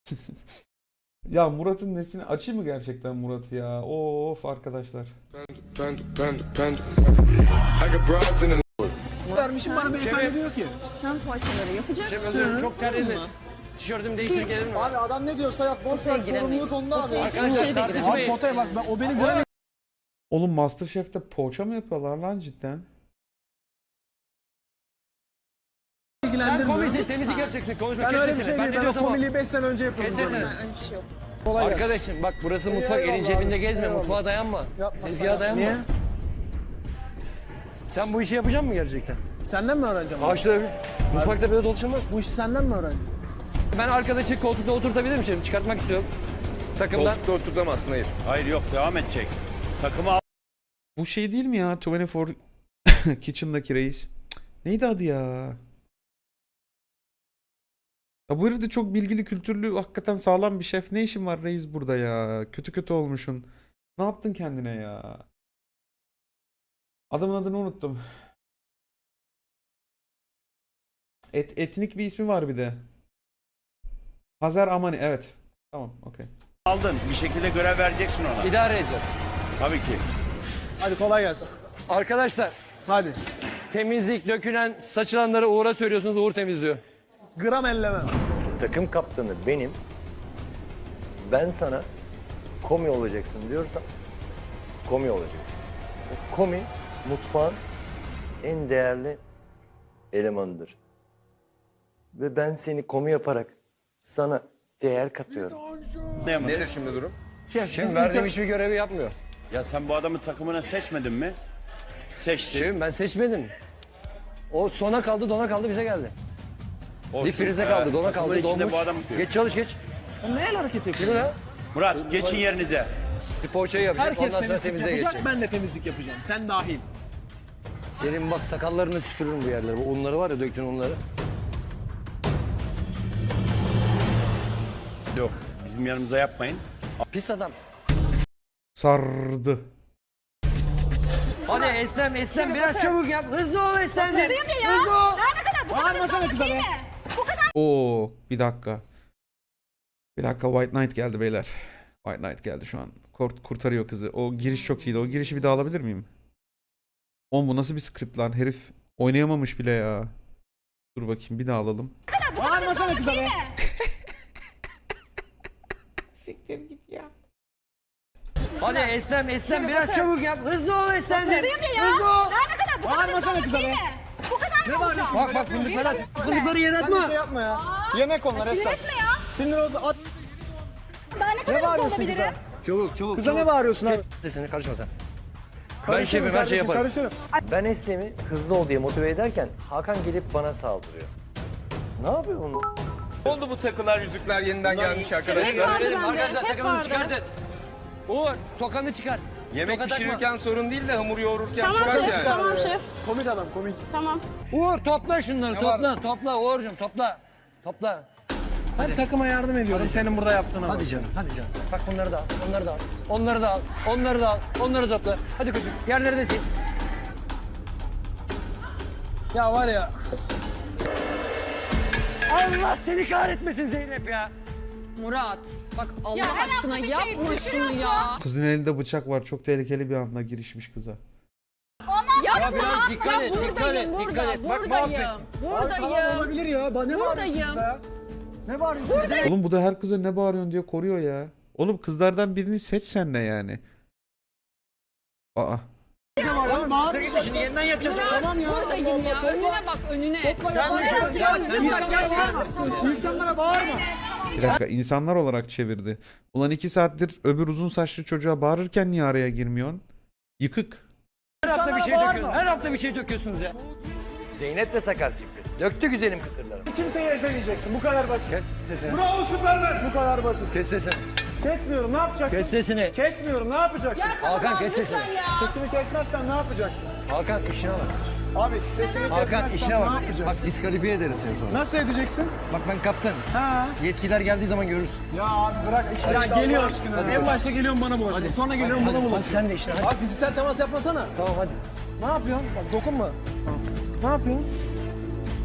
Ya Murat'ın nesini açayım mı gerçekten Murat'ı ya? Of arkadaşlar. Vermişim bana beyefendi diyor ki. Sen poğaçaları yapacaksın. Özür çok terledim. Tişörtümü değiştir gelir mi? Abi adam ne diyorsa yap. Boş ver sorumluluk onda abi. Arkadaşlar tartışmayın. Abi potaya bak o beni göremiyor. Oğlum MasterChef'te poğaça mı yapıyorlar lan cidden? Sen İlgilendirmiyor. komisin temizlik yapacaksın. Konuşma Ben öyle bir kesesene. şey değil. ne Ben o diyorsam o. komiliği 5 sene önce yapıyordum. Kesesene. Öyle bir şey yok. Kolay gelsin. Arkadaşım bak burası mutfak. Eyvallah Elin cebinde abi, gezme. eyvallah. Mutfağa dayanma. Yapma Tezgaha sen. dayanma. Niye? Sen bu işi yapacak mısın gerçekten? Senden mi öğreneceğim? Ağaçta mutfakta böyle dolaşılmaz. Bu işi senden mi öğreneceğim? Ben arkadaşı koltukta oturtabilir miyim? Çıkartmak istiyorum. Takımdan. Koltukta oturtamazsın, hayır. Hayır yok, devam edecek. Takımı al. Bu şey değil mi ya? 24 Kitchen'daki reis. Cık, neydi adı ya? Ya bu herif de çok bilgili, kültürlü, hakikaten sağlam bir şef. Ne işin var reis burada ya? Kötü kötü olmuşsun. Ne yaptın kendine ya? Adamın adını unuttum. Etnik bir ismi var bir de. Hazer Amani, evet. Tamam, okey. Aldın. Bir şekilde görev vereceksin ona. İdare edeceğiz. Tabii ki. Hadi kolay gelsin. Arkadaşlar Hadi. temizlik, dökülen, saçılanları Uğur'a söylüyorsunuz. Uğur temizliyor. Gram ellemem. Takım kaptanı benim. Ben sana komi olacaksın diyorsam komi olacaksın. O komi mutfağın en değerli elemanıdır. Ve ben seni komi yaparak sana değer katıyorum. Nedir şimdi durum? Şef, Şimdi biz verdiğim ilk- hiçbir görevi yapmıyor. Ya sen bu adamı takımına seçmedin mi? Seçtin. Şimdi ben seçmedim. O sona kaldı, dona kaldı, bize geldi. Olsun. Bir frize kaldı, dona takımın kaldı, içinde donmuş. bu adam. Geç çalış geç. Ne el hareketi Değil yapıyor? mi lan? Murat geçin yerinize. Poğaçayı yapacak, Herkes ondan sonra temizlik temizliğe yapacak, geçecek. ben de temizlik yapacağım. Sen dahil. Senin bak sakallarını süpürürüm bu yerlere. Bu unları var ya, döktün unları. Yok. Bizim yanımıza yapmayın. Pis adam. Sardı. Hadi Eslem, Eslem biraz çabuk yap. Hızlı ol Eslemciğim. ya. Hızlı ol. Daha ne kadar? Bu kadar Bağırmasana hızlı kıza olmak be. değil mi? Bu kadar. Oo, bir dakika. Bir dakika, White Knight geldi beyler. White Knight geldi şu an. Kurtarıyor kızı. O giriş çok iyiydi. O girişi bir daha alabilir miyim? Oğlum bu nasıl bir script lan? Herif oynayamamış bile ya. Dur bakayım, bir daha alalım. Bağırmasana kıza be. Siktir git ya. Hadi Eslem, Eslem biraz çabuk yap. Hızlı ol Eslemciğim. Tabii ya. Hızlı ol. Daha ne kadar? Bu kadar Bağırmasana hızlı kıza olmak be. değil mi? Bu kadar Ne mı olacak? bağırıyorsun? Bak bak fındıkları yere Sen bir atma. şey yapma ya. Yemek onlar Sinir Esra. etme ya. Sinir olsa at. Daha ne kadar hızlı bağırıyorsun olabilirim? kıza? Çabuk çabuk. Kıza ne bağırıyorsun abi? Sesini karışma sen. Karışırım şefim, her şeyi kardeşim, yaparım. Karışırım. Ben Eslem'i hızlı ol diye motive ederken Hakan gelip bana saldırıyor. Ne yapıyor bunu? Ne oldu bu takılar, yüzükler yeniden gelmiş arkadaşlar? Arkadaşlar takımını çıkartın. Uğur tokanı çıkart. Yemek Toka takma. pişirirken sorun değil de hamur yoğururken Tamam çıkart şef, yani. tamam şef. Komik adam komik. Tamam. Uğur topla şunları topla Uğur'cum topla. Topla. Ben takıma yardım ediyorum senin burada yaptığına bak. Hadi canım hadi canım. Bak bunları da al onları da al. Onları da al onları da al onları topla. Hadi koçum yerleri de sil. Ya var ya. Allah seni kahretmesin Zeynep ya. Murat, bak Allah Ya her aşkına hafta bir şey yapma şunu düşürüyorsun. ya. Kızın elinde bıçak var. Çok tehlikeli bir anda girişmiş kıza. Ya biraz dikkat et dikkat et Buradayım, dikkat et. Bak buradayım, Tamam buradayım. olabilir ya. Ne bağırıyorsun Buradayım. kıza ya? Ne bağırıyorsun? Oğlum bu da her kıza ne bağırıyorsun diye koruyor ya. Oğlum kızlardan birini seç sen de yani. Aa. Ya bağırmayacaksın. Şimdi yeniden yapacağız. Tamam ya. Buradayım Allah ya, Allah, topla. önüne bak önüne. Sen de Sen Bak yaşlar mısın? İnsanlara bağırma. Bir dakika, insanlar olarak çevirdi. Ulan 2 saattir öbür uzun saçlı çocuğa bağırırken niye araya girmiyorsun? Yıkık. Her hafta bir şey İnsanlara döküyorsunuz. Her hafta bir şey döküyorsunuz ya. Zeynep de sakar çıktı. Döktü güzelim kısırları. Kimseyi ezemeyeceksin. Bu kadar basit. Kes sesini. Bravo Süpermen. Bu kadar basit. Kes sesini. Kesmiyorum ne yapacaksın? Kes sesini. Kesmiyorum ne yapacaksın? Hakan kes sesini. Sesimi kesmezsen ne yapacaksın? Hakan işine bak. Abi sesimi Hakan kesmezsen işine ne bak. Bak yapacaksın? diskalifiye ederim seni sonra. Nasıl edeceksin? Bak ben kaptanım. Ha. Yetkiler geldiği zaman görürsün. Ya abi bırak işini. Ya geliyor. En başta geliyorum bana bulaşıyor. Sonra geliyorum bana Hadi bulaşıyor. sen de işine hadi. Abi fiziksel temas yapmasana. Tamam hadi. Ne yapıyorsun? Bak dokunma. Ne yapıyorsun?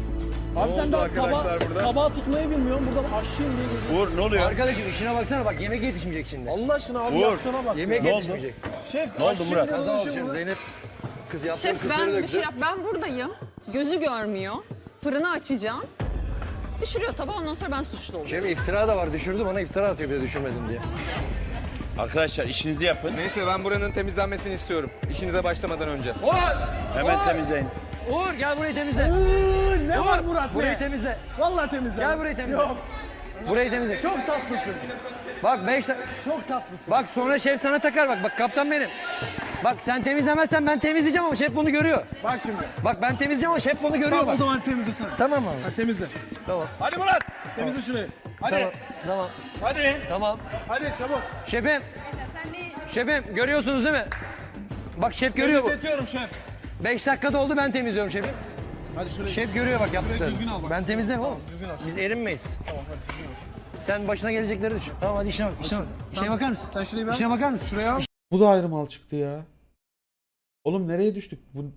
Abi sen oldu daha arkadaşlar burada? tabağı tutmayı bilmiyorsun. Burada aşçıyım diye geziyorsun. Uğur ne oluyor? Arkadaşım işine baksana bak yemek yetişmeyecek şimdi. Allah aşkına abi Uğur. yaptığına bak. Yemek ya. yetişmeyecek. Şef Ne oldu aşçıyım Murat? diye Kaza uğraşıyor olacak burada. Zeynep. Kız yaptığın Şef kızları ben bir döktü. şey yap. Ben buradayım. Gözü görmüyor. Fırını açacağım. Düşürüyor tabağı ondan sonra ben suçlu oluyorum. Şef iftira da var düşürdü bana iftira atıyor bir de düşürmedim diye. Arkadaşlar işinizi yapın. Neyse ben buranın temizlenmesini istiyorum. İşinize başlamadan önce. Hemen temizleyin. Uğur gel burayı temizle. Ne var Murat Burayı ne? temizle. Vallahi temizle. Gel burayı temizle. Yok. Burayı temizle. Çok tatlısın. Bak 5 Çok tatlısın. Bak sonra şef sana takar bak. Bak kaptan benim. Bak sen temizlemezsen ben temizleyeceğim ama şef bunu görüyor. Bak şimdi. Bak ben temizleyeceğim ama şef bunu görüyor Tamam o bak. zaman temizlesene. Tamam abi. Hadi temizle. Tamam. Hadi Murat. Temizle şurayı. Hadi. Tamam. Tamam. Hadi. Tamam. Hadi çabuk. Şefim. Şefim görüyorsunuz değil mi? Bak şef görüyor bu. Temizletiyorum şef. 5 dakikada oldu ben temizliyorum şefim. Hadi şurayı. Şef görüyor bak yaptıklarını. düzgün al bak. Ben temizlerim oğlum. düzgün al. Biz erinmeyiz. Tamam hadi düzgün ol. Sen başına gelecekleri düşün. Tamam hadi işine bak. İşine bak. İşine bakar mısın? Sen şurayı bir al. İşine bakar mısın? Şuraya al. Bu da ayrı mal çıktı ya. Oğlum nereye düştük? Bu...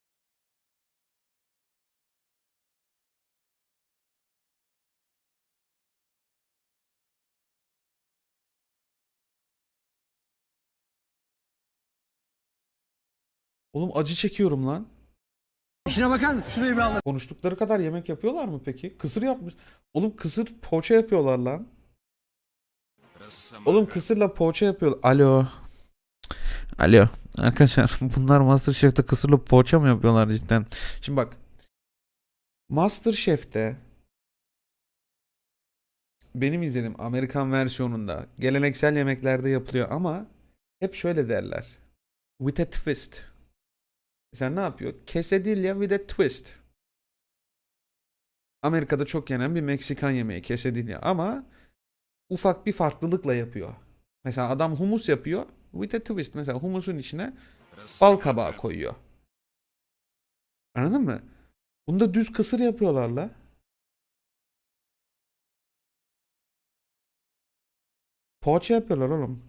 Oğlum acı çekiyorum lan. İşine bakar mısın? Şurayı bir al. Konuştukları kadar yemek yapıyorlar mı peki? Kısır yapmış. Oğlum kısır poğaça yapıyorlar lan. Oğlum kısırla poğaça yapıyorlar. Alo. Alo. Arkadaşlar bunlar MasterChef'te kısırla poğaça mı yapıyorlar cidden? Şimdi bak. MasterChef'te benim izlediğim Amerikan versiyonunda geleneksel yemeklerde yapılıyor ama hep şöyle derler. With a twist. Sen ne yapıyor? Quesadilla with a twist. Amerika'da çok yenen bir Meksikan yemeği quesadilla ama ufak bir farklılıkla yapıyor. Mesela adam humus yapıyor with a twist. Mesela humusun içine bal kabağı koyuyor. Anladın mı? Bunda düz kısır yapıyorlar la. Poğaça yapıyorlar oğlum.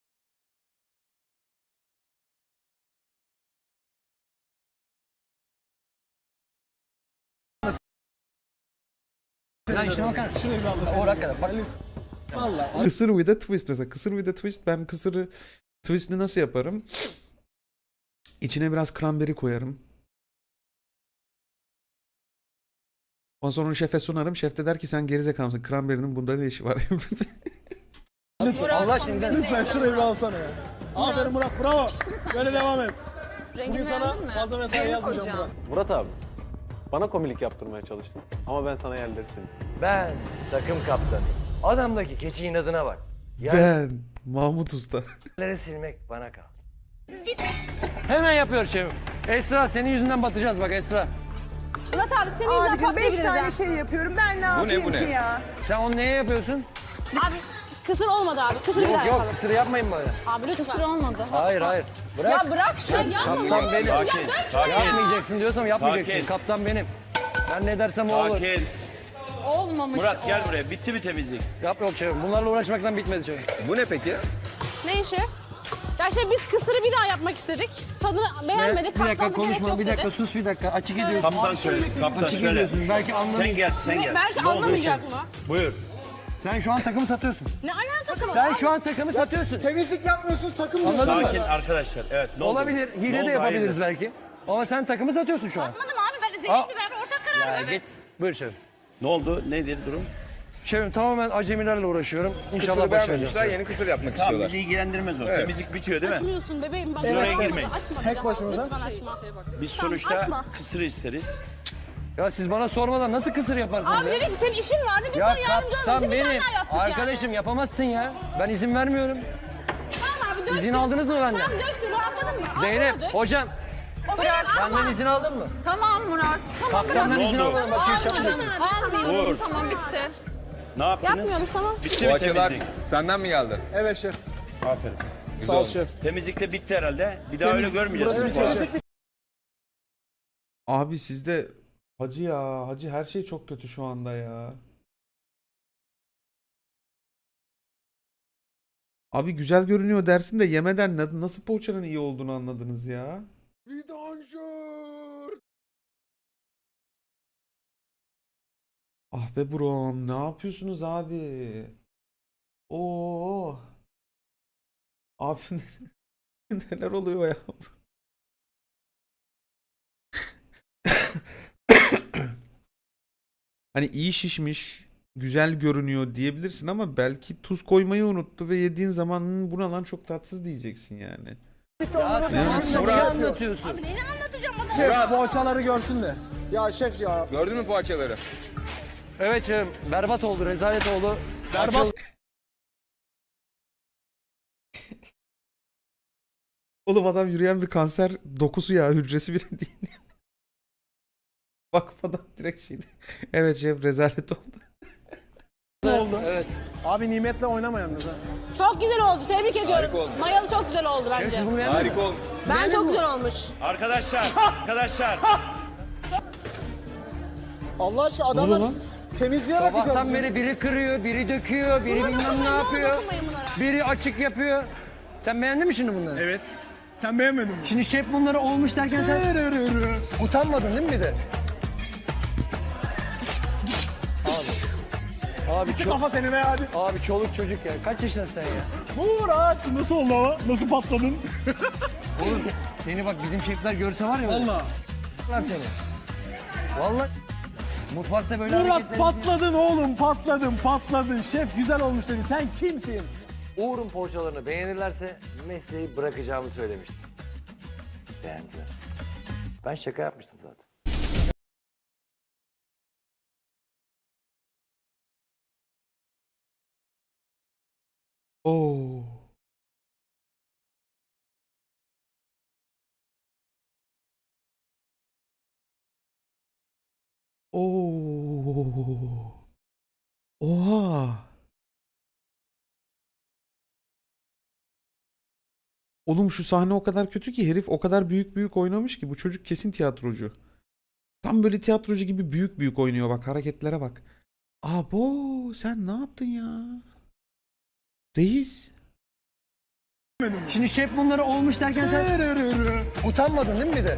Sen işine bakar mısın? Şurayı bir al. O hakikaten bak. Vallahi. Kısır with a twist mesela. Kısır with a twist. Ben kısırı twistini nasıl yaparım? İçine biraz cranberry koyarım. Ondan sonra onu şefe sunarım. Şef de der ki sen gerizekalı mısın? Cranberry'nin bunda ne işi var? Allah aşkına Lütfen şurayı bir alsana ya. Aferin Murat bravo. Pişti mi sence? Böyle devam et. Rengini Bugün sana beğendin mi? fazla mesai Beğeni yazmayacağım koyacağım. Murat. Murat abi, bana komiklik yaptırmaya çalıştın ama ben sana yerleri sildim. Ben takım kaptanı. Adamdaki keçi inadına bak. Ben Mahmut Usta. Yerleri silmek bana kaldı. Hemen yapıyor şefim. Esra senin yüzünden batacağız bak Esra. Murat abi senin yüzünden Abicim 5 patlayabiliriz tane ha. şey yapıyorum. Ben ne yapayım bu ne? ki ya? Sen onu neye yapıyorsun? Abi kısır olmadı abi. Kısır bir Yok daha yok yapalım. kısır yapmayın bana. Abi lütfen. Kısır olmadı. Hayır hayır. Bırak. Ya bırak şunu yapma. Kaptan benim. Sakin. Yapmayacaksın diyorsam yapmayacaksın. Sakin. Kaptan benim. Ben ne dersem o olur. Sakin. Olmamış Murat gel o. buraya. Bitti mi temizlik? Yap yok şefim. Bunlarla uğraşmaktan bitmedi şefim. Bu ne peki? Ne işi? Ya şey biz kısırı bir daha yapmak istedik. Tadını beğenmedik. Bir dakika katlandı, gerek konuşma. yok Bir dakika dedi. sus bir dakika. Açık ediyorsun. Kaptan söyle. Kaptan Açık söyle. ediyorsun. Belki anlamayacak. Sen gel sen gel. Belki Ne oldu anlamayacak şimdi? mı? Buyur. Sen şu an takımı satıyorsun. Ne alakası var? Sen şu an takımı satıyorsun. Temizlik yapmıyorsunuz takım Anladın mı? Sakin arkadaşlar. Evet ne oldu? Olabilir. Ne Hile oldu? de yapabiliriz Hayırdır? belki. Ama sen takımı satıyorsun şu an. Anladım abi ben de Aa. Zeynep'le beraber ortak karar Ya verdik. git. Buyur şefim. Ne oldu? Nedir durum? Şefim tamamen acemilerle uğraşıyorum. İnşallah Kısırı başaracağız. beğenmemişler, yeni kısır yapmak Tamam istiyorlar. bizi ilgilendirmez o. Evet. Temizlik bitiyor değil mi? Açmıyorsun bebeğim. Bak, Oraya açma, girmeyin. açma bir Tek daha. başımıza. Lütfen açma. Biz Tamam, sonuçta açma. kısır isteriz. Ya siz bana sormadan nasıl kısır yaparsınız Abi ya? dedik ki senin işin vardı biz Ya sana yardımcı olmak kaptan için bir tane benim. daha yaptık Arkadaşım yapamazsın ya. Ben izin vermiyorum. yani. Tamam abi döktün. İzin aldınız mı benden? Tamam döktün rahatladın mı? Zeynep, Al, dök. hocam O bırak. benden izin aldın mı? Tamam Murat. Kaptandan Ne izin oldu? almadım. Bak hiç yapmayacaksın. Almıyorum. Uğur. Tamam bitti. Ne yaptınız? Yapmıyoruz tamam. Bitti mi Poğaçalar temizlik? senden mi geldi? Evet şef. Aferin. Sağ ol şef. Temizlik de bitti herhalde. Bir daha öyle görmeyeceğiz. Burası değil mi? bitiyor şef. Abi sizde hacı ya. Hacı her şey çok kötü şu anda ya. Abi güzel görünüyor dersin de yemeden nasıl poğaçanın iyi olduğunu anladınız ya. Ah be brom, ne yapıyorsunuz abi? Oo. Abi neler oluyor ya? Hani iyi şişmiş, güzel görünüyor diyebilirsin ama belki tuz koymayı unuttu ve yediğin zaman "Hmm, bu ne lan çok tatsız" diyeceksin yani. Ne anlatıyorsun? Neyini anlatacağım ona? Şef poğaçaları görsün de. Ya şef ya. Gördün mü poğaçaları? Evet şefim. Berbat oldu, rezalet oldu. Berbat. Oğlum adam yürüyen bir kanser dokusu ya, hücresi bile değil. Bakmadan direkt şeydi. Evet şef, rezalet oldu. Ne oldu? Evet. Abi nimetle oynama yalnız ha. Çok güzel oldu. Tebrik ediyorum. olmuş. Mayalı çok güzel oldu Şef bence. siz bunu beğendiniz mi? Harika olmuş. Ben çok güzel olmuş. Arkadaşlar, arkadaşlar. Allah aşkına Ne oluyor adamlar lan? temizliğe bakacağız. Sabahtan beri biri kırıyor, biri döküyor, biri bilmem ne dokunmayın, yapıyor. dokunmayın bunlara. Biri açık yapıyor. Sen beğendin mi şimdi bunları? Evet. Sen beğenmedin mi? Şimdi şef bunları olmuş derken sen utanmadın değil mi bir de? Abi çok, Kafa seni be hadi. abi çoluk çocuk ya. Kaç yaşındasın sen ya? Murat nasıl oldu ama? Nasıl patladın? Oğlum seni bak bizim şefler görse var ya. Valla. Vallahi seni. Vallahi mutfakta böyle Murat hareketlerinizi- patladın oğlum patladın. Şef güzel olmuş dedi. Sen kimsin? Uğur'un poğaçalarını beğenirlerse mesleği bırakacağımı söylemiştim. Beğendiler. Ben şaka yapmıştım zaten. Oo. Oo. Oha. Oğlum şu sahne o kadar kötü ki herif o kadar büyük oynamış ki bu çocuk kesin tiyatrocu. Tam böyle tiyatrocu gibi büyük oynuyor, bak hareketlere bak. Abo sen ne yaptın ya? Reis. Şimdi şef bunları olmuş derken sen utanmadın değil mi bir de?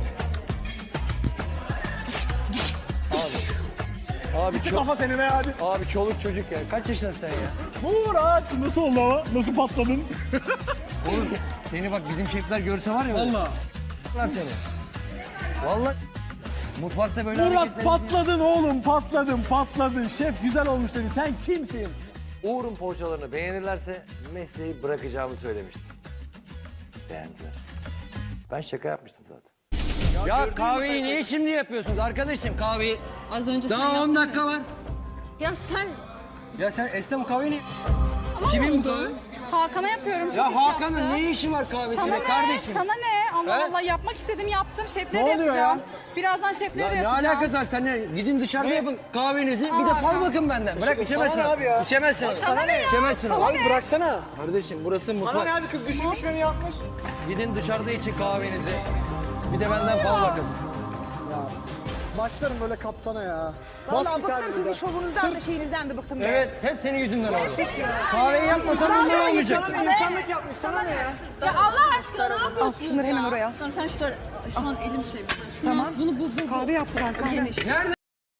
Abi çok, Kafa seni be hadi. abi çoluk çocuk ya. Kaç yaşındasın sen ya? Murat nasıl oldu ama? Nasıl patladın? Oğlum seni bak bizim şefler görse var ya. Valla. Lan seni. Vallahi mutfakta böyle Murat hareketlerinizi- patladın oğlum patladın. Şef güzel olmuş dedi. Sen kimsin? Uğur'un poğaçalarını beğenirlerse mesleği bırakacağımı söylemiştim. Beğendiler. Ben şaka yapmıştım zaten. Ya kahveyi niye şimdi yapıyorsunuz arkadaşım kahveyi? Az önce sen Daha 10 yaptın dakika ya. var. Ya sen Ya sen Esra bu kahveyi niye... kimin bu? Hakan'a yapıyorum. Çok Ya iş Hakan'ın yaptı. ne işi var kahvesine Sana ne? kardeşim? Sana ne? Allah He? Allah yapmak istedim yaptım. Şefleri Ne de oluyor yapacağım. ya? Birazdan şefleri Ya de ne yapacağım. alakası var seninle? Gidin dışarıda yapın kahvenizi. Bir de fal Hakan. bakın benden. Bırak içemezsin. sana ne abi ya? İçemezsin. Sana ne ya? İçemezsin. Sana Abi ne? Bıraksana. kardeşim burası Sana mutfak. ne abi, kız düşünmüş beni yapmış. Gidin dışarıda için kahvenizi. Bir de benden fal bakın. Ya. Başlarım böyle kaptana ya. Bas Vallahi git abi bıktım sizin buradan. şovunuzdan da şeyinizden de bıktım. Evet hep senin yüzünden oldu. Kahveyi yapmasan bunlar olmayacak. İnsanlık yapmış sana ne ya? Ya Allah aşkına ne yapıyorsunuz Al şunları ya? hemen oraya. Sen şunları şu an elim şey. Şunu al, bunu bu. Kahve yaptılar kahve. Geniş. Nerede?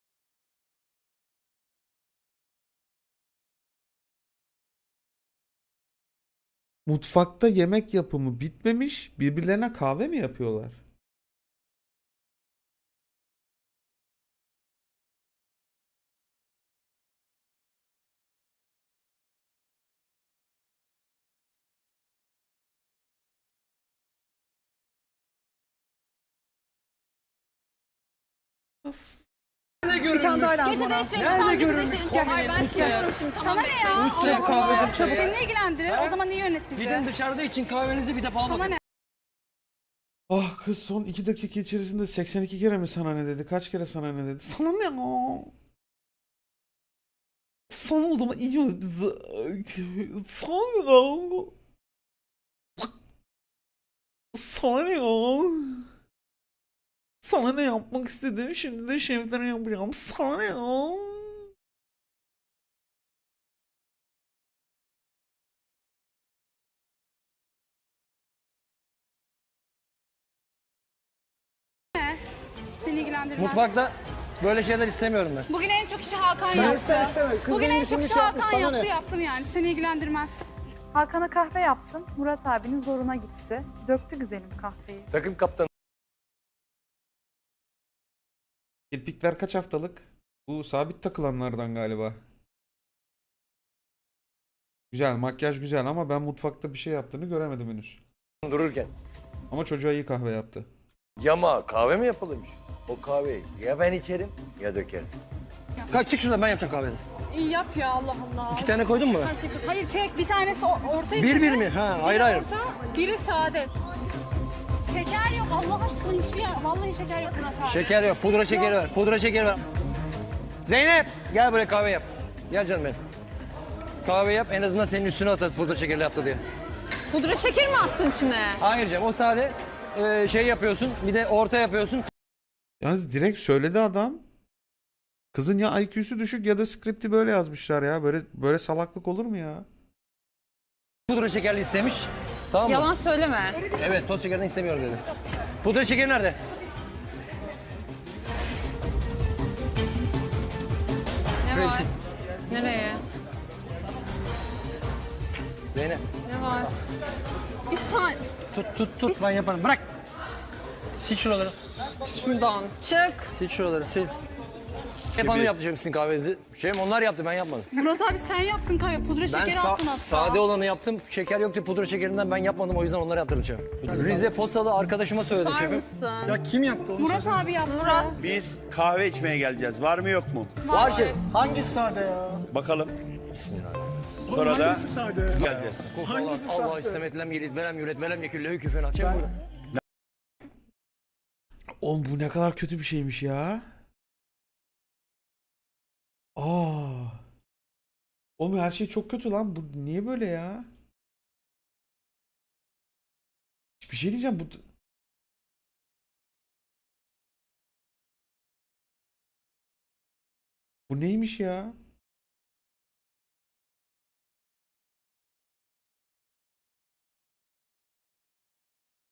Mutfakta yemek yapımı bitmemiş, birbirlerine kahve mi yapıyorlar? Bir tane daha lazım Gece bana. değiştirelim. Nerede Tamam, gece görülmüş değiştirelim. Hayır ben seviyorum şimdi. Sana Tamam ne ya? Üstüne Allah kahve Allah. döküyor ya. Beni ne ilgilendirir? O zaman niye yönet bizi? Gidin dışarıda için kahvenizi bir de fal Sana bakın. ne? Ah kız son 2 dakika içerisinde 82 kere mi sana ne dedi? Kaç kere sana ne dedi? Sana ne ya? Sana o zaman iyi ol bizi. Sana ya. Sana ne ya? Sana ne yapmak istedim şimdi de şeflere yapacağım. Sana ne ya? Seni ilgilendirmez. Mutfakta Böyle şeyler istemiyorum ben. Bugün en çok işi Hakan Sen yaptı. iste isteme. Kız Bugün benim en çok işimi işi şey yapmış, Hakan sana yaptı ne? yaptım yani. Seni ilgilendirmez. Hakan'a kahve yaptım. Murat abinin zoruna gitti. Döktü güzelim kahveyi. Takım kaptanı Kirpikler kaç haftalık? Bu sabit takılanlardan galiba. Güzel, makyaj güzel ama ben mutfakta bir şey yaptığını göremedim henüz. dururken Ama çocuğa iyi kahve yaptı. yama kahve mi yapılırmış? O kahveyi ya ben içerim ya dökerim. Kalk çık şuradan ben yapacağım kahveni. İyi yap ya Allah Allah. 2 tane koydun mu? Her şey. Hayır tek bir tanesi ortaya. Bir mi? Ha ayrı ayrı. Orta, biri sade. Şeker yok Allah aşkına hiçbir yer. Vallahi şeker yok Murat abi. Şeker yok. Pudra şekeri ver. Pudra şekeri ver. Zeynep gel buraya kahve yap. Gel canım benim. Kahve yap en azından senin üstüne atarız pudra şekerli yaptı diye. Pudra şeker mi attın içine? Hayır canım o sade şey yapıyorsun bir de orta yapıyorsun. Yalnız direkt söyledi adam. Kızın ya IQ'su düşük ya da skripti böyle yazmışlar ya. Böyle salaklık olur mu ya? Pudra şekerli istemiş. Tamam mı? Yalan söyleme. Evet toz şekerini istemiyorum dedi. Pudra şekeri nerede? Ne Şöyle var? sil. Nereye? Zeynep Ne var? Bir saniye. tut ben yaparım bırak. Sil şuraları. Şuradan çık. Sil şuraları sil. Hep hanım yaptı sizin kahvenizi. Onlar yaptı ben yapmadım. Murat abi sen yaptın kahve. Pudra Ben şekeri attın hatta. sade olanı yaptım. Şeker yoktu pudra şekerinden ben yapmadım o yüzden onları yaptırdım şefim. Rize Fosalı arkadaşıma söyledim Var şefim. mısın? Ya kim yaptı onu? Murat söylesene. abi yaptı. Murat. Biz kahve içmeye geleceğiz. Var mı yok mu? Var şef. Hangisi sade ya? Bakalım. Oğlum Sonra da hangisi sade? geleceğiz. Hangisi Allah sahte? istemetlem yelit verem yüret verem yeküllehü küfen açayım bunu. Oğlum bu ne kadar kötü bir şeymiş ya. Aa. Oğlum her şey çok kötü lan. Bu niye böyle ya? Bir şey diyeceğim bu. Bu neymiş ya?